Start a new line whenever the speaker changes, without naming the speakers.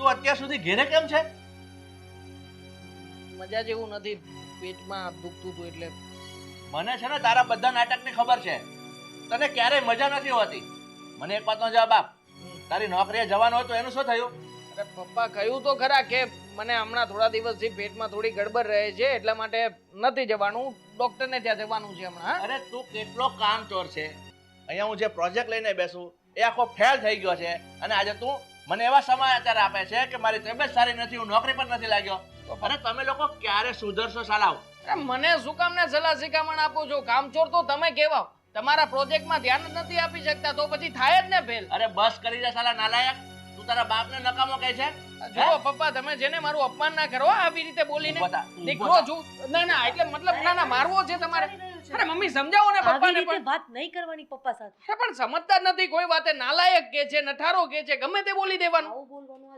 તું અત્યાર સુધી ઘેરે કેમ છે?
મજા જેવું નથી, પેટમાં દુખતું હતું એટલે.
મને છે ને તારા બધા નાટકની ખબર છે. તને ક્યારેય મજા નથી હોતી. મને એક વાતનો જવાબ આપ. તારી નોકરીએ જવાનું હોય તો એનું શું થયું?
અરે પપ્પા કહ્યું તો ખરા કે મને હમણાં થોડા દિવસથી પેટમાં થોડી ગડબડ રહે છે, એટલા માટે નથી જવાનું. ડોક્ટરને ત્યાં જવાનું છે હમણાં.
અરે તું કેટલો કામચોર છે. અહીંયા હું જે પ્રોજેક્ટ લઈને બેસું એ આખો ફેલ થઈ ગયો છે અને આજે તું મને એવા સમાચાર આપે છે કે મારી તબિયત સારી નથી, હું નોકરી પર નથી લાગ્યો. અરે તમે લોકો ક્યારે સુધરશો સાલાવ?
અરે મને શું કામ ને સલાહ શિખામણ આપો છો? કામચોર તો તમે કહેવાઓ. તમારા પ્રોજેક્ટમાં ધ્યાન જ નથી આપી શકતા તો પછી થાય જ ને ફેલ.
અરે બસ કરી જા સાલા નાલાયક. તું તારા બાપને નકામો કહે છે?
જુઓ પપ્પા, તમે જેને મારું અપમાન ના કરો આવી રીતે બોલીને.
તું
દીકરો છું. ના ના, એટલે મતલબ ના ના, મારવો છે તમારે. અરે મમ્મી સમજાવો ને પપ્પાને
આવી રીતે
પણ.
વાત નહીં કરવાની પપ્પા સાથે.
અરે પણ સમજતા જ નથી કોઈ વાતે. નાલાયક કે છે, નઠારો કે છે, ગમે તે બોલી દેવાનું.
આવું બોલવાનું